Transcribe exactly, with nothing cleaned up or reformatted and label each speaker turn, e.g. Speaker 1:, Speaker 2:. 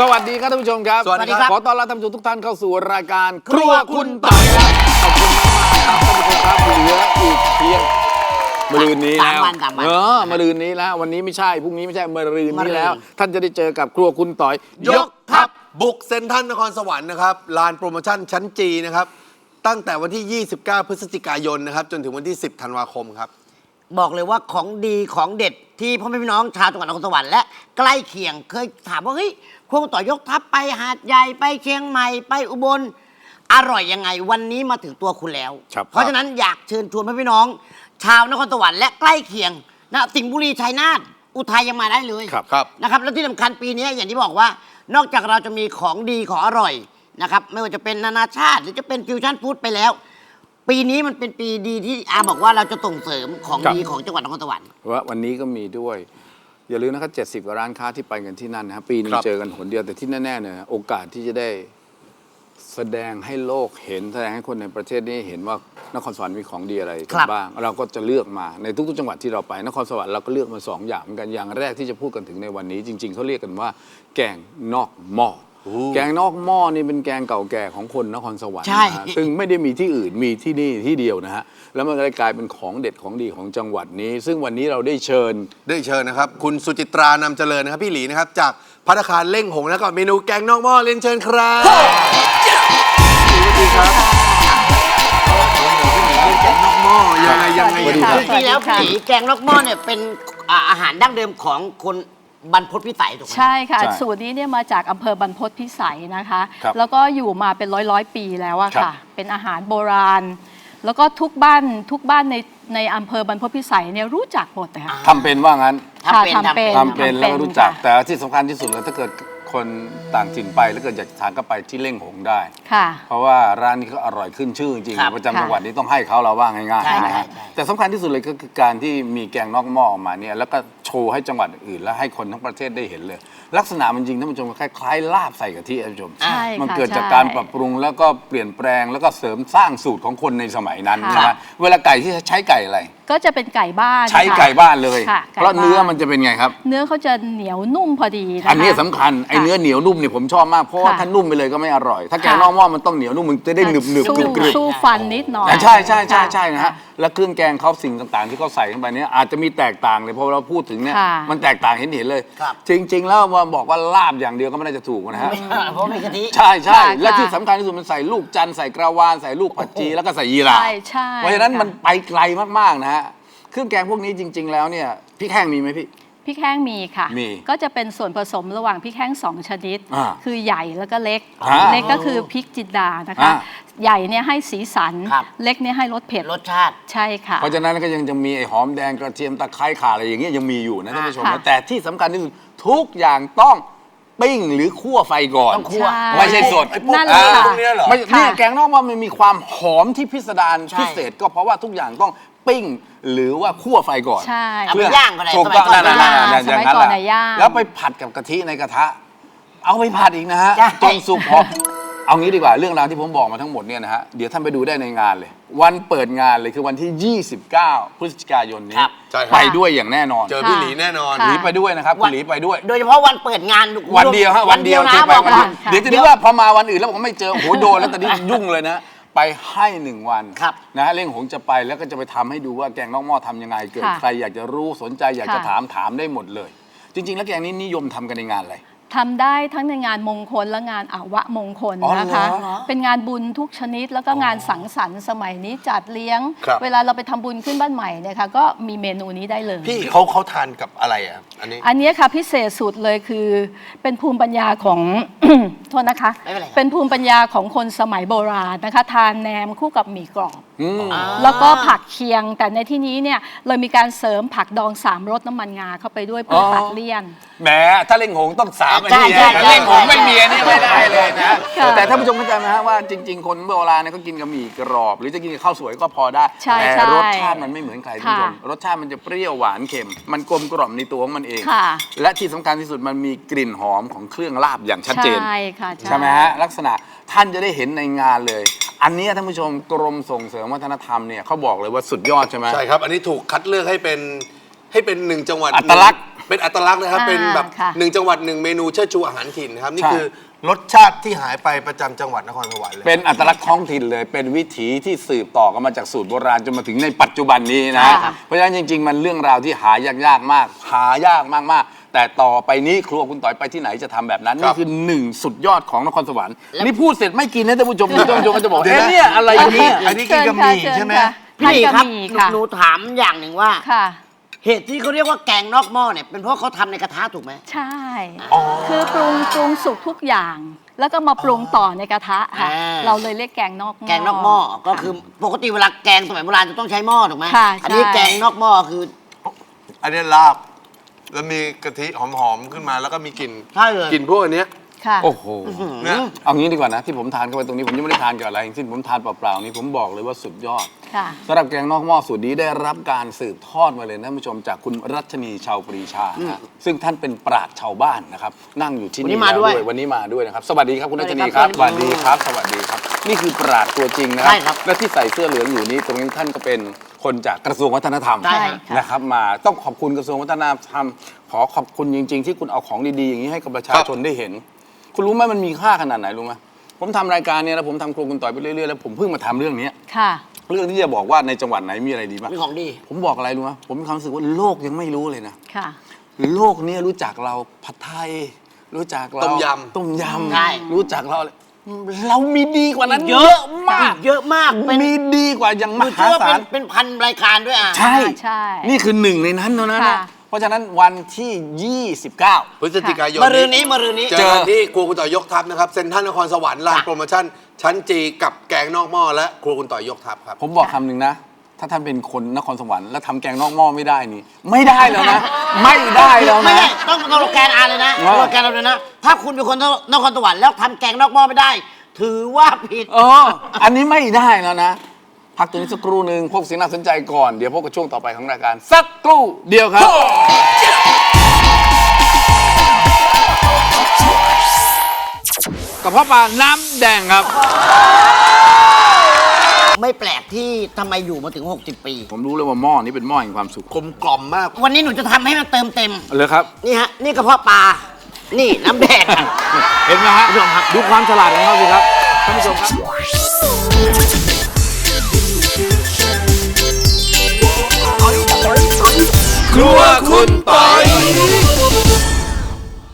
Speaker 1: สวัสดีครับท่านผู้ชมครับ
Speaker 2: สวัสดีครับ
Speaker 1: ขอต้อนรับท่านผู้ชมทุกท่านเข้าสู่รายการครัวคุณต่อยครับขอบคุณมากๆครับท่านผู้ชมครับเหลืออีกเพียงมะรืนนี้แล้วเออมะรืนนี้แล้ววันนี้ไม่ใช่พรุ่งนี้ไม่ใช่มะรืนนี้แล้วท่านจะได้เจอกับครัวคุณต่อยยกทัพ
Speaker 2: บุกเซ็นทรัลนครสวรรค์นะครับลานโปรโมชั่นชั้นจีนะครับตั้งแต่วันที่ ยี่สิบเก้า พฤศจิกายนนะครับจนถึงวันที่ สิบ ธันวาคมครับ
Speaker 3: บอกเลยว่าของดีของเด็ดที่พ่อแม่พี่น้องชาวจังหวัดนครสวรรค์และใกล้เคียงเคยถามว่าเฮ้ยครัวคุณต่อยยกทัพไปหาดใหญ่ไปเชียงใหม่ไปอุบลอร่อยยังไงวันนี้มาถึงตัวคุณแล้ว เพราะฉะนั้นอยากเชิญชวนพ่อพี่น้องชาวนครสวรรค์และใกล้เคียงนะสิงห์บุรีชัยนาทอุทัยยังมาได้เลย
Speaker 1: ครับครับ
Speaker 3: นะครับแล้วที่สำคัญปีนี้อย่างที่บอกว่านอกจากเราจะมีของดีของอร่อยนะครับไม่ว่าจะเป็นนานาชาติหรือจะเป็นฟิวชั่นฟู้ดไปแล้วปีนี้มันเป็นปีดีที่อาบอกว่าเราจะส่งเสริมของดีของจังหวัดนครสวรรค์
Speaker 1: ว่าวันนี้ก็มีด้วยอย่าลืมนะครับเจ็ดสิบกว่าร้านค้าที่ไปกันที่นั่นนะครับปีนึงเจอกันหนเดียวแต่ที่แน่ๆเนี่ยโอกาสที่จะได้แสดงให้โลกเห็นแสดงให้คนในประเทศนี้เห็นว่านครสวรรค์มีของดีอะไรกันบ้างเราก็จะเลือกมาในทุกๆจังหวัดที่เราไปนครสวรรค์เราก็เลือกมาสองอย่างเหมือนกันอย่างแรกที่จะพูดกันถึงในวันนี้จริงๆเขาเรียกกันว่าแกงนอกหม้อแกงนอกหม้อนี่เป็นแกงเก่าแก่ของคนนครสวรรค์นะฮะซึ่งไม่ได้มีที่อื่นมีที่นี่ที่เดียวนะฮะแล้วมันก็เลยกลายเป็นของเด็ดของดีของจังหวัดนี้ซึ่งวันนี้เราได้เชิญ
Speaker 2: ได้เชิญนะครับคุณสุจิตรานำเจริญนะครับพี่หลีนะครับจากภัตตาคารเล่งหงแล้วก็เมนูแกงนอกหม้อเรียนเชิญครับสวัสดีครับแกงนอกหม้อยังไงยังไงยังไง
Speaker 3: จริงๆแล้วผีแกงนอกหม้อเนี่ยเป็นอาหารดั้งเดิมของคนบรรพตพิสัยถูกไหม
Speaker 4: ใช่ค่ะสูตรนี้เนี่ยมาจากอำเภอบรรพตพิสัยนะคะแล้วก็อยู่มาเป็นร้อยร้อยปีแล้วอะค่ะเป็นอาหารโบราณแล้วก็ทุกบ้านทุกบ้านในในอำเภอบรรพตพิสัยเนี่ยรู้จักหมดเลยค่ะ
Speaker 1: ทำเป็นว่างั้น
Speaker 3: ทำเป็น
Speaker 4: ทำเป็น
Speaker 1: ทำเป็นแล้วก็รู้จักแต่ที่สำคัญที่สุดแล้วถ้าเกิดคนต่างถิ่นไปแล้วเกิดอยากทานก็ไปที่เล่งหงได้
Speaker 4: ค่ะ
Speaker 1: เพราะว่าร้านนี้เขาอร่อยขึ้นชื่อจริงๆประจำจังหวัดนี้ต้องให้เขาเราว่าง่ายๆนะฮะแต่สำคัญที่สุดเลยก็คือการที่มีแกงนอกหม้อออกมาเนี่ยแล้วก็โชว์ให้จังหวัดอื่นและให้คนทั้งประเทศได้เห็นเลยลักษณะมันจริงท่านผู้ชมคล้ายๆลาบใส่กะทิท่านผู้ชมมันเกิดจากการปรับปรุงแล้วก็เปลี่ยนแปลงแล้วก็เสริมสร้างสูตรของคนในสมัยนั้นใช่ไหมเวลาไก่ที่ใช้ไก่อะไร
Speaker 4: ก็จะเป็นไก่บ้าน
Speaker 1: ใช้ไก่บ้านเลยเพราะเนื้อมันจะเป็นไงครับ
Speaker 4: เนื้อเขาจะเหนียวนุ่มพอดีนะคะ
Speaker 1: อันนี้สำคัญไอ้เนื้อเหนียวนุ่มเนี่ยผมชอบมากเพราะว่าถ้านุ่มไปเลยก็ไม่อร่อยถ้าแกงนอกหม้อมันต้องเหนียวนุ่มมันจะได้หนึบหนึบกรึบกรึบ
Speaker 4: สู้ฟันนิดหน่อย
Speaker 1: ใช่ใช่ใช่ใช่นะฮะแล้วเครื่องแกงเขาสิ่งต่างๆที่เขาใส่เข้าไปเนี่ยอาจจะมีแตกต่างเลยเพราะเราพูดถึงเนี่ยมันแตกต่างเห็นเห็นเลยจริงๆแล้วมาบอกว่าลาบอย่างเดียวก็ไม่ได้จะถูกนะฮะ
Speaker 3: เพราะมีกะทิ
Speaker 1: ใช่ใช่และที่สำคัญที่สุดมันใส่ลูกจันทร์ใส่กระวานใส่ลูกผักชีแล้วก็ใส่ยีราเพราะฉะนั้นมันไปไกลมากๆนะฮะเครื่องแกงพวกนี้จริงๆแล้วเนี่ยพริกแห้งมีไหมพี่
Speaker 4: พริกแห้งมีค่ะก็จะเป็นส่วนผสมระหว่างพริกแห้งสองชนิดคือใหญ่แล้วก็เล็กเล็กก็คือพริกจินดานะคะใหญ่เนี่ยให้สีสันเล็กเนี่ยให้รสเผ็ด
Speaker 3: รสชาติ
Speaker 4: ใช่ค่ะ
Speaker 1: เพราะฉะนั้นก็ยังจะมีไอ้หอมแดงกระเทียมตะไคร้ข่าอะไรอย่างเงี้ยยังมีอยู่นะท่านผู้ชมแต่ที่สำคัญที่สุดทุกอย่างต้องปิ้งหรือคั่วไฟก่อนไม่ใช่สดไอ้พวกนี้เหรอไม่เนี่ยแกงนอกว่ามันมีความหอมที่พิสดารพิเศษก็เพราะว่าทุกอย่างต้องปิ้งหรือว่าคั่วไฟก่อน
Speaker 4: ใช่
Speaker 3: เพื่อย่างก็ได้
Speaker 1: ถูกต้องนั่นนั่นนั่น
Speaker 4: อย่างนั้นแหละ
Speaker 1: แล้วไปผัดกับกะทิในกระทะเอาไปผัดอีกนะฮะจนสุกพอเอางี้ดีกว่าเรื่องราวที่ผมบอกมาทั้งหมดเนี่ยนะฮะเดี๋ยวท่านไปดูได้ในงานเลยวันเปิดงานเลยคือวันที่ยี่สิบเก้าพฤศจิกายนนี้ไปด้วยอย่างแน่นอน
Speaker 2: เจอพี่หลีแน่นอน
Speaker 1: หลีไปด้วยนะครับคุณหลีไปด้วย
Speaker 3: โดยเฉพาะวันเปิดงาน
Speaker 1: วันเดียวฮะวันเดียวที่ไปวันเดียวเดี๋ยวจะนึกว่าพอมาวันอื่นแล้วผมไม่เจอโอ้โหโดนแล้วตอนนี้ยุ่งเลยนะไปให้หนึ่งวันนะฮะเล่งหงจะไปแล้วก็จะไปทำให้ดูว่าแกงนอกหม้อทำยังไงเกิดใครอยากจะรู้สนใจอยากจะถามถามได้หมดเลยจริงๆแล้วแกงนี้นิยมทำกันในงานอะไร
Speaker 4: ทำได้ทั้งในงานมงคลและงานอาวะมงคลนะคะเป็นงานบุญทุกชนิดแล้วก็งานสังสรรค์สมัยนี้จัดเลี้ยงเวลาเราไปทำบุญขึ้นบ้านใหม่เนี่ยค่ะก็มีเมนูนี้ได้เลย
Speaker 2: พี่เขาเขาทานกับอะไรอ่ะอันนี้
Speaker 4: อันนี้ค่ะพิเศษสุดเลยคือเป็นภูมิปัญญาของ โทษนะคะเป็นภูมิปัญญาของคนสมัยโบราณนะคะทานแหนมคู่กับหมี่กรอบแล้วก็ผักเคียงแต่ในที่นี้เนี่ยเรามีการเสริมผักดองสามรสน้ำมันงาเข้าไปด้วยเพื่อตัดเลี่ยน
Speaker 1: แหมถ้าเล่งหงต้องสามอันนี้เล่งหงไม่มีอันนี้ไม่ได้เลยนะแต่ท่านผู้ชมเข้าใจไหมฮะว่าจริงๆคนโบราณเนี่ยเขากินกับหมี่กรอบหรือจะกินกับข้าวสวยก็พอได้แต่รสชาติมันไม่เหมือนใครท่านผู้ชมรสชาติมันจะเปรี้ยวหวานเค็มมันกลมกล่อมในตัวของมันเองและที่สำคัญที่สุดมันมีกลิ่นหอมของเครื่องลาบอย่างชัดเจน
Speaker 4: ใช่ค่ะ
Speaker 1: ใช่ไหมฮะลักษณะท่านจะได้เห็นในงานเลยอันนี้ท่านผู้ชมกรมส่งเสริมวัฒนธรรมเนี่ยเขาบอกเลยว่าสุดยอดใช่ไหม
Speaker 2: ใช่ครับอันนี้ถูกคัดเลือกให้เป็นให้เป็นหนึ่งจังหวัด
Speaker 1: อัตลักษณ์
Speaker 2: เเป็นอัตลักษณ์นะครับ
Speaker 4: อ่า
Speaker 2: เป็นแบบ
Speaker 4: ค่ะ
Speaker 2: หนึ่งจังหวัดหนึ่งเมนูเชิดชูอาหารถิ่นนะครับนี่
Speaker 1: ใช่
Speaker 2: คือรสชาติที่หายไปประจำจังหวัดนครสวรรค์เลย
Speaker 1: เป็นอัตลักษณ์ท้องถิ่นเลย เป็นวิถีที่สืบต่อกันมาจากสูตรโบราณจนมาถึงในปัจจุบันนี้นะ
Speaker 3: ใช่ครับ
Speaker 1: เพราะฉะนั้นจริง ๆ มันเรื่องราวที่หายากๆมาก หายากมากๆ แต่ต่อไปนี้ครัวคุณต่อยไปที่ไหนจะทำแบบนั้น
Speaker 2: ครั
Speaker 1: นี่
Speaker 2: บ
Speaker 1: คือหนึ่งสุดยอดของนครสวรรค์นี่พูดเสร็จไม่กินนะท่านผู้ชมท่านผู้ชมก็จะบอกเอ๊ะเนี่ยอะไร
Speaker 2: อันนี้
Speaker 1: เนี่ย
Speaker 2: อันนี้กินกับหมี่ใช่ไหม
Speaker 3: พี่หลีครับ
Speaker 4: ทานกัหมี่
Speaker 3: หนู
Speaker 4: ค่ะ
Speaker 3: หนูถามอย่างหนึ่งว่า
Speaker 4: ค่ะ
Speaker 3: เหตุที่เขาเรียกว่าแกงนอกหม้อเนี่ยเป็นเพราะเขาทำในกระทะถูกไหม
Speaker 4: ใช่ คือปรุงปรุงสุกทุกอย่าง แล้วก็มาปรุงต่อในกระทะค่ะ
Speaker 3: อ่า
Speaker 4: เราเลยเรียกแกงนอกหม้อ
Speaker 3: แกงนอกหม้อก็คือปกติเวลาแกงสมัยโบราณจะต้องใช้หม้อถูกไหม
Speaker 4: ค่ะ
Speaker 3: อันนี้
Speaker 4: ใช่
Speaker 3: แกงนอกหม้อคือ
Speaker 2: อันนี้ลาบ แล้วมีกะทิหอมๆขึ้นมาแล้วก็มีกลิ่น
Speaker 3: ใช่เลย
Speaker 2: กลิ่นพวกอันเนี้ย
Speaker 4: ค่ะ
Speaker 1: โอ้โห
Speaker 2: เนี่ย
Speaker 1: เอางี้ดีกว่านะที่ผมทานเข้าไปตรงนี้ผมยังไม่ได้ทานกับอะไรทั้งสิ้นผมทานเปล่าๆนี่ผมบอกเลยว่าสุดยอด
Speaker 4: ค่ะ
Speaker 1: สำหรับแกงนอกหม้อสูตรนี้ได้รับการสืบทอดมาเลยนะท่านผู้ชมจากคุณรัชนีชาวปรีชานะซึ่งท่านเป็นปราชญ์ชาวบ้านนะครับนั่งอยู่ที่
Speaker 3: วันนี้
Speaker 1: นี่
Speaker 3: มา
Speaker 1: แล้ว
Speaker 3: ด้วย
Speaker 1: วันนี้มาด้วยนะครับสวัสดีครับคุณรัชนี
Speaker 3: ส
Speaker 1: ค
Speaker 3: วั
Speaker 1: รับ
Speaker 3: สดี
Speaker 1: ส
Speaker 3: ครับ
Speaker 1: วัสดีครับสวัสดีครับ นี่คือปราชญ์ตัวจริงนะค
Speaker 3: ใช่
Speaker 1: รับ
Speaker 3: ครับ
Speaker 1: และที่ใส่เสื้อเหลืองอยู่นี้ตรงนี้ท่านก็เป็นคนจากกระทรวงวัฒนธรรม
Speaker 3: ใช่
Speaker 4: ค่ะ
Speaker 1: นะครับมาต้องขอบคุณกระทรวงวัฒนธรรมขอขอบคุณจริง ๆ ที่คุณเอาของดีๆอย่างนี้ให้กับประชาชนได้เห็น คุณรู้ไหมมันมีค่าขนาดไหนรู้ไหมผมทำรายการเนี่ยแล้วผมทำครัวคุณต่อยไปเรื่อยๆแล้วผมเพิ่งมาทำเรื่องนี้
Speaker 4: ค่ะ
Speaker 1: เรื่องที่จะบอกว่าในจังหวัดไหนมีอะไรดีบ้าง
Speaker 3: มีของดี
Speaker 1: ผมบอกอะไรรู้ไหมผมมีความรู้สึกว่าโลกยังไม่รู้เลยนะ
Speaker 4: ค่ะ
Speaker 1: โลกเนี้รู้จักเราผัดไทย รู้จักเรา
Speaker 2: ต้มยำ
Speaker 1: ต้มย
Speaker 3: ใช่
Speaker 1: ำรู้จักเราอะไรเรามีดีกว่านั้น
Speaker 3: เยอะ
Speaker 1: มาก
Speaker 3: เยอะมากเป็น
Speaker 1: มีดีกว่าอย่างม
Speaker 3: ดู
Speaker 1: หา
Speaker 3: เชื่อว่า
Speaker 1: ศา
Speaker 3: เป็
Speaker 1: ล
Speaker 3: นเป็นพันรายการด้วยอ่ะ
Speaker 1: ใช่
Speaker 4: ใช่
Speaker 1: นี่คือหนึ่งในนั้นเท่านั้นนะ
Speaker 4: ค่ะ
Speaker 1: เพราะฉะนั้นวันที่ยี่สิบเก้า
Speaker 2: พฤศจิกายน
Speaker 3: มารืนนี้มารืนนี้
Speaker 2: เจอกันที่ครัวคุณต่อยยกทัพนะครับเซ็นทรัลนครสวรรค์ลานโปรโมชั่นชั้นจีกับแกงนอกหม้อและครัวคุณต่อยยกทัพครับ
Speaker 1: ผมบอกคำหนึ่งนะ ถ้าท่านเป็นคนนครสวรรค์แล้วทำแกงนอกหม้อไม่ได้นี่ ไม่ได้แล้วนะ ไม่ได้แล้ว
Speaker 3: ไม่
Speaker 1: นะ
Speaker 3: ได้ต้องต้องโลแกนอาเลยนะ
Speaker 1: ว่า
Speaker 3: โลแกนเราเลยนะ ถ้าคุณเป็นคนนครสวรรค์แล้วทำแกงนอกหม้อไม่ได้ ถือว่าผิด
Speaker 1: เออ อันนี้ไม่ได้แล้วนะ พักตัวนี้สักครู่หนึ่งพวกสิ่งน่าสนใจก่อน เดี๋ยวพบกับช่วงต่อไปของรายการสักครู่เดียวครับกระเพาะปลาน้ำแดงครับ
Speaker 3: ไม่แปลกที่ทำไมอยู่มาถึง หกสิบ ปี
Speaker 1: ผมรู้เลยว่าหม้อนี้เป็นหม้อแห่งความสุข
Speaker 2: กลมกล่อมมาก
Speaker 3: วันนี้หนูจะทำให้มันเติมเต็ม
Speaker 1: เลยครับ
Speaker 3: นี่ฮะ นี่กระเพาะปลา นี่น้ำแดง
Speaker 1: เห็นไหมฮะ
Speaker 3: ผู้ชมครับ
Speaker 1: ดูความฉลาดของเขาสิครับท่านผู้ชมครับครัวคุณปอย